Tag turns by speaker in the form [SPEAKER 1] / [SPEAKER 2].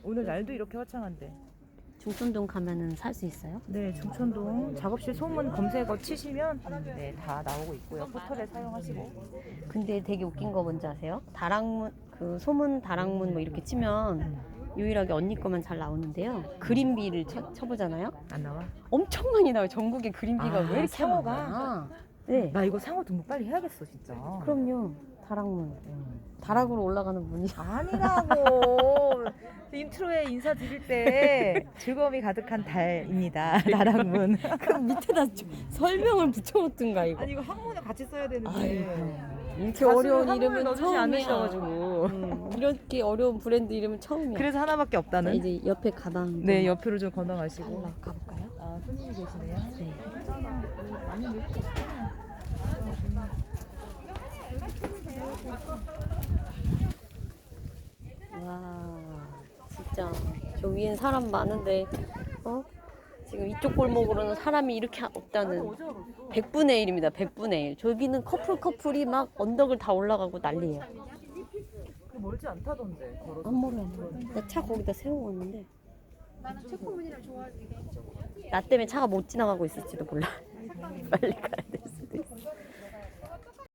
[SPEAKER 1] 오늘 날도 이렇게 화창한데.
[SPEAKER 2] 중촌동 가면은 살 수 있어요?
[SPEAKER 1] 네, 중천동 작업실 소문 검색어 치시면 네, 다 나오고 있고요. 포털에 사용하시고.
[SPEAKER 2] 근데 되게 웃긴 거 뭔지 아세요? 다락문, 그 소문 다락문 뭐 이렇게 치면 유일하게 언니 거만 잘 나오는데요. 그린비를 쳐보잖아요?
[SPEAKER 1] 안 나와?
[SPEAKER 2] 엄청 많이 나와요. 전국에 그린비가
[SPEAKER 1] 아,
[SPEAKER 2] 왜 이렇게
[SPEAKER 1] 상어가?
[SPEAKER 2] 많아? 네.
[SPEAKER 1] 나 이거 상어 등록 빨리 해야겠어, 진짜.
[SPEAKER 2] 그럼요. 다락문. 다락으로 올라가는 문이.
[SPEAKER 1] 아니라고. 인트로에 인사드릴 때 즐거움이 가득한 달입니다. 나랑문.
[SPEAKER 2] 그럼 밑에다 설명을 붙여놓든가 이거.
[SPEAKER 1] 아니 이거 한문을 같이 써야 되는데.
[SPEAKER 2] 아이고. 이렇게
[SPEAKER 1] 가수는
[SPEAKER 2] 어려운
[SPEAKER 1] 한문을
[SPEAKER 2] 이름은
[SPEAKER 1] 넣어주지
[SPEAKER 2] 처음이야.
[SPEAKER 1] 않으셔가지고.
[SPEAKER 2] 이렇게 어려운 브랜드 이름은 처음이야.
[SPEAKER 1] 그래서 하나밖에
[SPEAKER 2] 자,
[SPEAKER 1] 없다는.
[SPEAKER 2] 이제 옆에 가방.
[SPEAKER 1] 네, 옆으로 좀 건너가시고.
[SPEAKER 2] 달라 가볼까요?
[SPEAKER 1] 아, 손님이 계시네요.
[SPEAKER 2] 네. 와, 진짜 저 위엔 사람 많은데, 지금 이쪽 골목으로는 사람이 이렇게 없다는 100분의 1입니다. 100분의 1. 저기는 커플이 막 언덕을 다 올라가고 난리예요.
[SPEAKER 1] 그 멀지 않다던데. 걸어서.
[SPEAKER 2] 안 멀어, 안 멀어. 나 차 거기다 세우고 왔는데.
[SPEAKER 3] 나는 체코문이랑 좋아하는 게 이쪽으로.
[SPEAKER 2] 나 때문에 차가 못 지나가고 있을지도 몰라. 빨리 가야 돼.